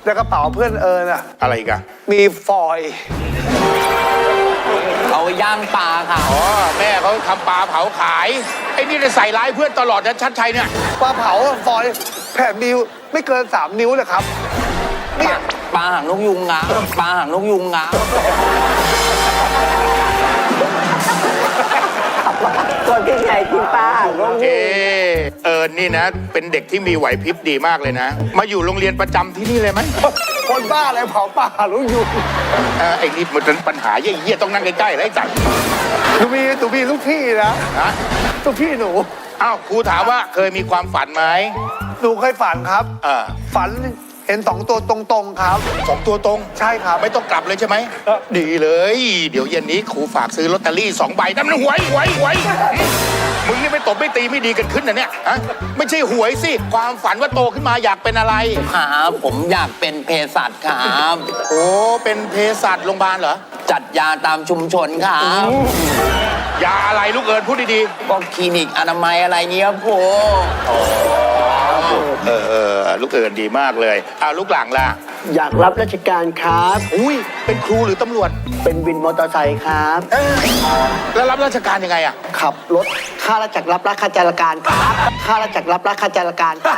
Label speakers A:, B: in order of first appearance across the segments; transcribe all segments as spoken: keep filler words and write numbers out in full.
A: ในกระเป๋าเพื่อนเอิญอ่ะ
B: อะไรอีกัน
A: มีฟอยล์
C: เอาย่างปลาค่ะ
B: อ๋อแม่เขาทำปลาเผาขายไอ้นี่ได้ใส่ร้ายเพื่อนตลอดนะชัดชัยเนี่ย
A: ปลาเผาฟอยล์แผ่นนิ้วไม่เกินสามนิ้วเลยครับ
C: ปลาปลาหางนกยุงงาปลาหางนกยุงงา
D: คนที่ไหนกินปลาหางนก
B: เอ
D: ยุง
B: เออนี่นะ เป็นเด็กที่มีไหวพริบดีมากเลยนะ มาอยู่โรงเรียนประจำที่นี่เลยไหม
A: คนบ้าอะไรเผาป่าลูกอยู่
B: เออไอ้นี่มันเป็นปัญหาเยี่ยๆต้องนั่งใกล้ๆแล้วไอ้จัด
A: หนูมีหนูมีลูกพี่นะ
B: ฮะ
A: ลูกพี่หนู
B: อ้าวครูถามว่าเคยมีความฝันไหม
A: หนูเคยฝันครับ
B: เออ
A: ฝันเห็นสองตัวตรงๆครับ
B: สองตัวตรง
A: ใช่ครับ
B: ไม่ต้องกลับเลยใช่ไหม
A: ครับ
B: ดีเลย เดี๋ยวเย็นนี้ครูฝากซื้อลอตเตอรี่สองใบนั่นมันหวยหวยหวยมึงนี่ไม่ตบไม่ตีไม่ดีกันขึ้นนะเนี่ยฮะไม่ใช่หวยสิความฝันว่าโตขึ้นมาอยากเป็นอะไร
C: ครับผมอยากเป็นเภสัชครับ
B: โอ้เป็นเภสัชโรงพยาบาลเหรอ
C: จัดยาตามชุมชนครับ
B: ยาอะไรลูกเอิญพูดดี
C: ก็คลินิกอนามัยอะไรเงี้ยครู
B: ๆเออเออลูกเอิญดีมากเลยอ้าวลูกหลังล่ะ
D: อยากรับราชการครับ
B: อุ้ยเป็นครูหรือตำรวจ
D: เป็นวินมอเตอร์ไซค์ครับ
B: เอ้ยแล้วรับราชการยังไงอะ
D: ขับรถข้าราชการรับราชการครับข้าราชการรับราชการครับ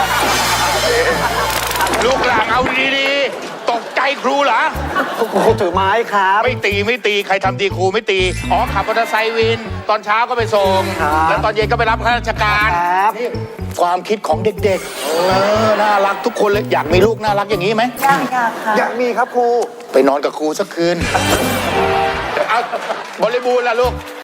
B: ลูกหลังเอาดีๆตกใจครูเหรอ
D: ครูถือไม้ครับ
B: ไม่ตีไม่ตีใครทำตีครูไม่ตี อ๋อขับมอเตอร์ไซค์วิน ตอนเช้าก็ไปส่ง
D: ครับ
B: แล้วตอนเย็นก็ไปรับข้าราชการ
D: ครับ
B: นี่ความคิดของเด็กๆเออน่ารักทุกคนเลยอยากมีลูกน่ารักอย่างนี้ไหม
A: อยากอยากค่ะอยากมีครับครู
B: ไปนอนกับครูสักคืนเอาบริบูรณ์ล่ะลูก